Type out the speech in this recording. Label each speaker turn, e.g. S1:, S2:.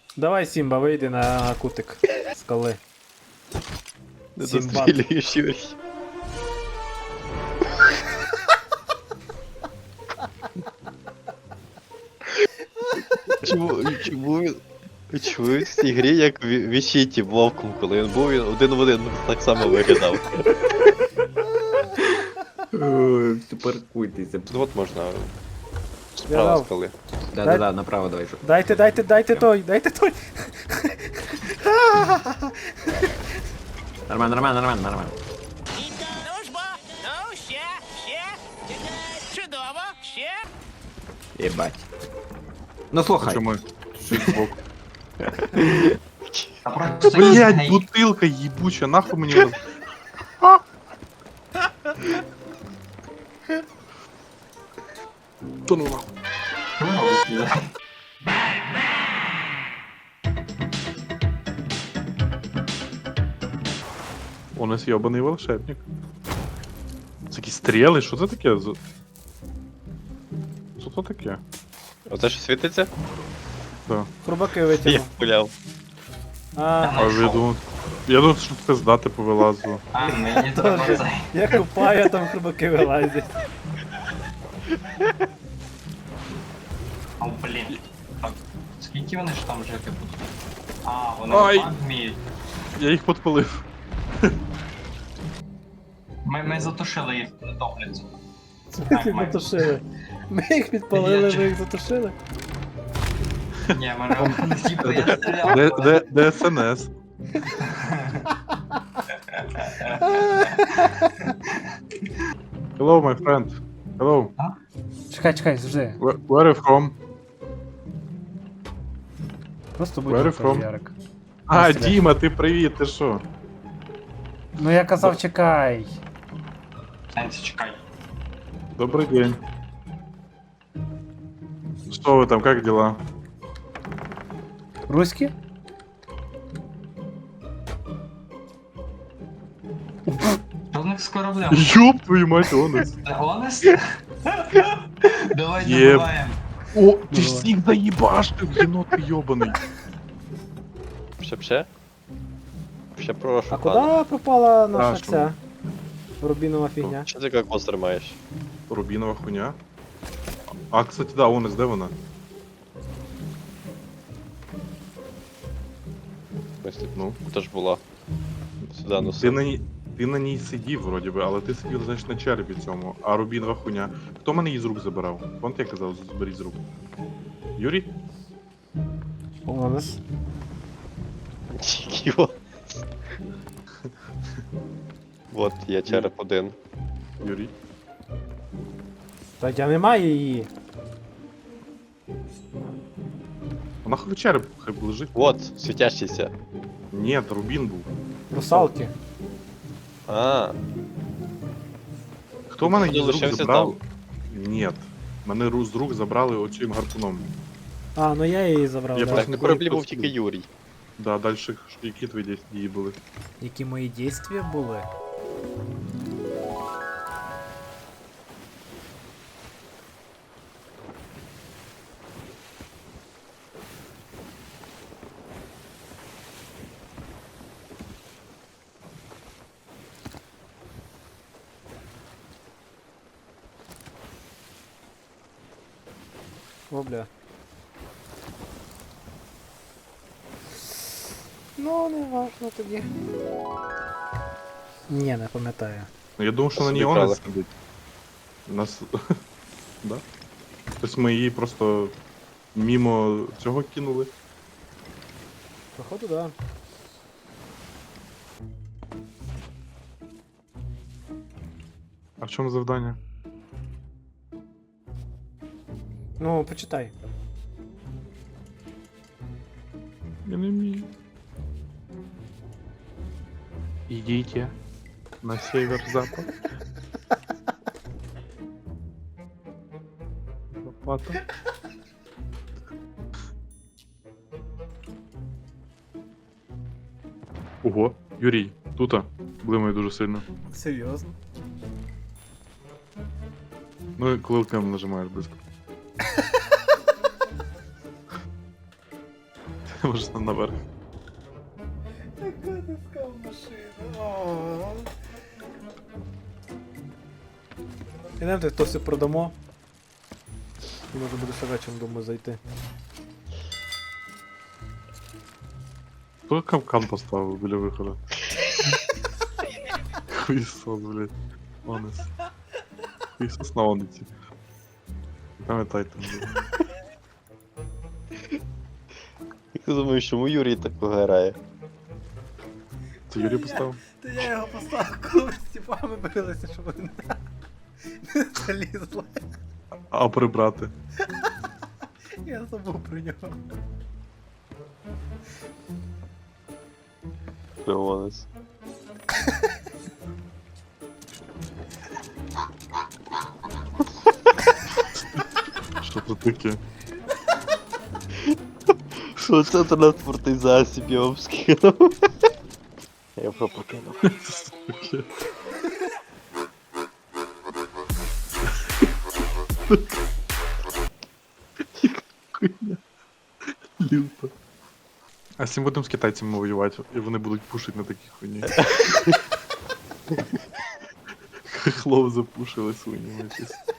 S1: Давай, Сімба, вийди на кутик скали.
S2: Не
S1: Сімбад.
S2: дострілюєш, Юрій. Чому він в цій грі як в Вічіті вовком, коли він був, він один в один так само виглядав.
S3: Паркуйтеся.
S2: Тут от можна
S1: Я
S2: справа
S1: дав.
S2: скали.
S3: Да, направо давай.
S1: Дайте той.
S3: Нормально.
S4: Ну ж бо, ну ще. Чудово, ще.
S3: Єбать. Ну слухай.
S5: Чому?
S6: А просто
S5: Блять,
S6: гей.
S5: бутилка ебуча, нахуй мені роз... Та ну нахуй. У нас йобаний волшебник. Це якісь стріли, що це таке? Що це таке?
S2: Оце що світиться?
S5: Да.
S1: Хрубаки
S2: Я
S1: витягнув.
S2: пуляв.
S5: А ви думаєте? Я думав, що це здати повилазило.
S6: А, мені треба
S1: Тоже.
S6: цей.
S1: Я купаю, а там хрубаки вилазять.
S6: О, блін. Так, скільки вони ж там жити будуть? А, вони
S5: Ай.
S6: так вміють.
S5: Я їх підпалив.
S6: Ми затушили їх, не топляться.
S1: Ми їх затушили. Ми їх підпалили, ви їх затушили.
S6: Ні, ми не типу, я стріляв.
S5: Де СНС? Hello, my friend. Hello.
S1: Чекай, завжди.
S5: Where are you from?
S1: Просто
S5: Where
S1: будь
S5: from?
S1: Ярик.
S5: А, Діма, ти привіт, ти що?
S1: Ну я казав, чекай.
S6: Сенсі, чекай.
S5: Добрий день. Что вы там, как дела?
S1: Руські?
S6: Що в них з кораблем?
S5: Ёб твою мать, Онес.
S6: Honest? Давай
S5: Єб.
S6: добиваємо.
S5: О, ты ж всех заебашил, енот ты ёбаный.
S2: Ще? Ще прошу,
S1: А
S2: пане.
S1: куди пропала наша
S5: Страшно.
S1: ця рубінова фігня?
S2: Що ти як монстр маєш?
S5: Рубинова хуйня. А, кстати, да, Онес, де вона?
S2: В смысле?
S5: Ну,
S2: Це ж була. Сюди
S5: ти
S2: носив.
S5: ти на ній сидів, вроді би, але ти сидів, значить, на черепі цьому. А рубінова хуйня. Хто мене її з рук забирав? Вон я казав, зберіть з рук. Юрій?
S1: У нас.
S2: Йо. Вот, я череп один.
S5: Юрій?
S1: Та я немає її.
S5: Вона хай череп хай лежить.
S2: Вот, світящийся.
S5: Ні, рубін був.
S1: Русалки.
S2: А,
S5: Хто мене
S2: Ти
S5: її з рук
S2: лишився
S5: забрав? Ні. Мене з рук забрали оцим гарпуном.
S1: А, ну я її забрав.
S5: Я
S1: да.
S5: просто
S2: так,
S5: не
S2: на кораблі
S5: пам'ятаю,
S2: був
S5: хто
S2: тільки
S5: це.
S2: Юрій.
S5: Да, дальше які твої дії були?
S1: Які мої дійствия були? О, бля. Ну, не важно тоді. Ні, не пам'ятаю.
S5: Ну, я думав, що на ній
S2: Собі крали.
S5: Онес сидить. Нас. Да? Тобто ми її просто мімо цього кинули.
S1: Походу, да.
S5: А в чому завдання?
S1: Ну, почитай.
S5: Я не вмію. Идите на север-запад. Лопата. Ого, Юрій, тута. Блимає дуже сильно.
S1: Серйозно?
S5: Ну і коли кнопку нажимаєш близько. Може наверх.
S1: Яка диска в машину. Ідемте, то все продамо. І можна буде ще вечором, думаю, зайти.
S5: Хто капкан поставив біля виходу? Хуйсос, блядь. Онес. Хуйсос на ониці. Пам'ятайте, блядь.
S2: Як ти думаєш, чому Юрій так грає?
S5: Це Юрій поставив?
S1: Та я його поставив, коли ми з тіпами билися, щоб вони не залізли.
S5: А прибрати?
S1: Я забув про нього.
S2: Леонес.
S5: Що тут таке?
S2: Що це транспортний засіб, я вам скинув. Я вже покинув.
S5: Це таке? Хуйня. Люто. А з цим будемо з китайцями воювати, і вони будуть пушити на такій хуйні. Хлоп запушили свині якісь.